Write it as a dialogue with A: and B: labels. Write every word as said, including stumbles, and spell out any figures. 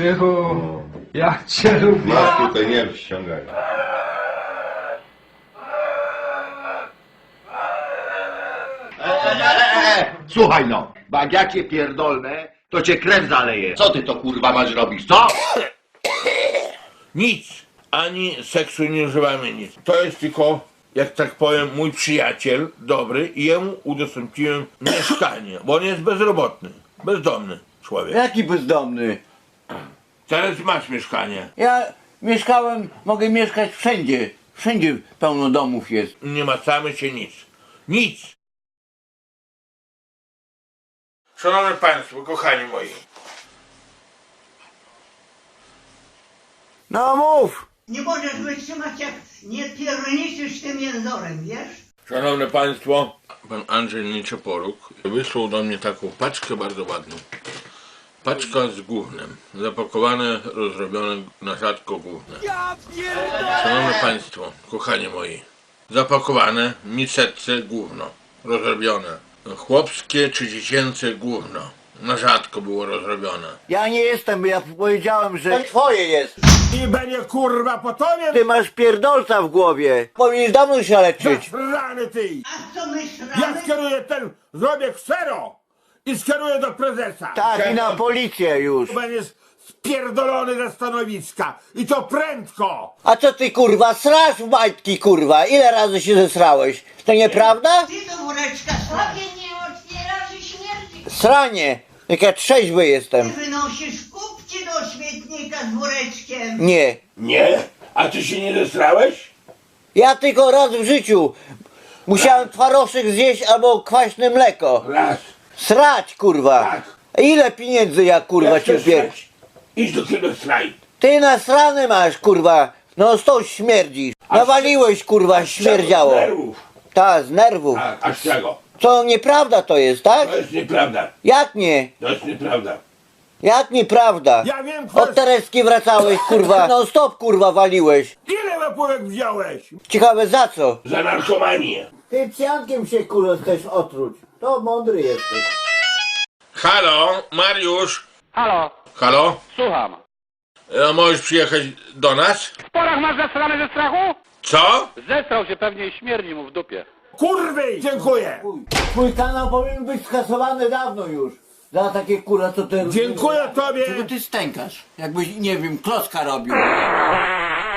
A: Krzychu, ja cię lubię.
B: Masz tutaj nie ściągaj.
C: Słuchaj no, bo jak ja cię pierdolnę, to cię krew zaleje. Co ty to kurwa masz robić, co?
D: Nic, ani seksu nie używamy, nic. To jest tylko, jak tak powiem, mój przyjaciel dobry i jemu udostępniłem mieszkanie, bo on jest bezrobotny, bezdomny człowiek.
E: Jaki bezdomny?
D: Teraz masz mieszkanie.
E: Ja mieszkałem, mogę mieszkać wszędzie. Wszędzie pełno domów jest.
D: Nie macamy się nic. Nic! Szanowni Państwo, kochani moi.
E: No mów!
F: Nie możesz wytrzymać, jak nie pierniczysz tym jęzorem, wiesz?
D: Szanowne Państwo, pan Andrzej Nieczeporuk wysłał do mnie taką paczkę bardzo ładną. Paczka z gównem, zapakowane, rozrobione na rzadko gówne. Szanowne Państwo, kochani moi, zapakowane, miseczce gówno, rozrobione. Chłopskie czy dziecięce gówno, na rzadko było rozrobione.
E: Ja nie jestem, bo ja powiedziałem, że to twoje jest.
D: I będzie kurwa po tobie,
E: Ty masz pierdolca w głowie. Powinieneś dawno się leczyć.
D: rany ty!
F: A co myślałeś?
D: Ja skieruję ten, zrobię ksero i skieruję do prezesa.
E: Tak, i na policję już.
D: Będziesz spierdolony ze stanowiska i to prędko!
E: A co ty kurwa, srasz w majtki kurwa? Ile razy się zesrałeś? To nieprawda?
F: Ty do woreczka
G: Sobie nie otwierasz i śmierdzi.
E: Sranie. Jak ja trzeźwy jestem.
F: wynosisz kupci do śmietnika z woreczkiem.
E: Nie.
D: Nie? A ty się nie zesrałeś?
E: Ja tylko raz w życiu musiałem twaroszek zjeść albo kwaśne mleko.
D: Raz.
E: Srać kurwa.
D: Tak.
E: Ile pieniędzy ja kurwa ci pier...
D: Idź do tego straj.
E: Ty nasrany masz kurwa. No stąd śmierdzisz. Nawaliłeś kurwa, śmierdziało.
D: Nerwów.
E: Ta, z nerwów.
D: A, a z czego?
E: Co, nieprawda to jest, tak?
D: To jest nieprawda.
E: Jak nie?
D: To jest nieprawda.
E: Jak nieprawda?
D: Ja wiem,
E: Od Tereski wracałeś kurwa. No stop kurwa waliłeś.
D: ile łapówek wziąłeś?
E: Ciekawe za co?
D: Za narkomanię.
E: Ty psiankiem się kurwa chcesz otruć. To mądry jesteś.
D: Halo, Mariusz.
H: Halo,
D: Halo?
H: słucham.
D: E, możesz przyjechać do nas?
H: W porach masz zasrany ze strachu?
D: Co?
H: Zestrał się pewnie i śmierdzi mu w dupie.
D: Kurwy! Dziękuję.
E: Twój kanał powinien być skasowany dawno już. Za takie kurwa co ty...
D: Dziękuję tobie.
E: Czego ty stękasz? Jakbyś, nie wiem, klocka robił.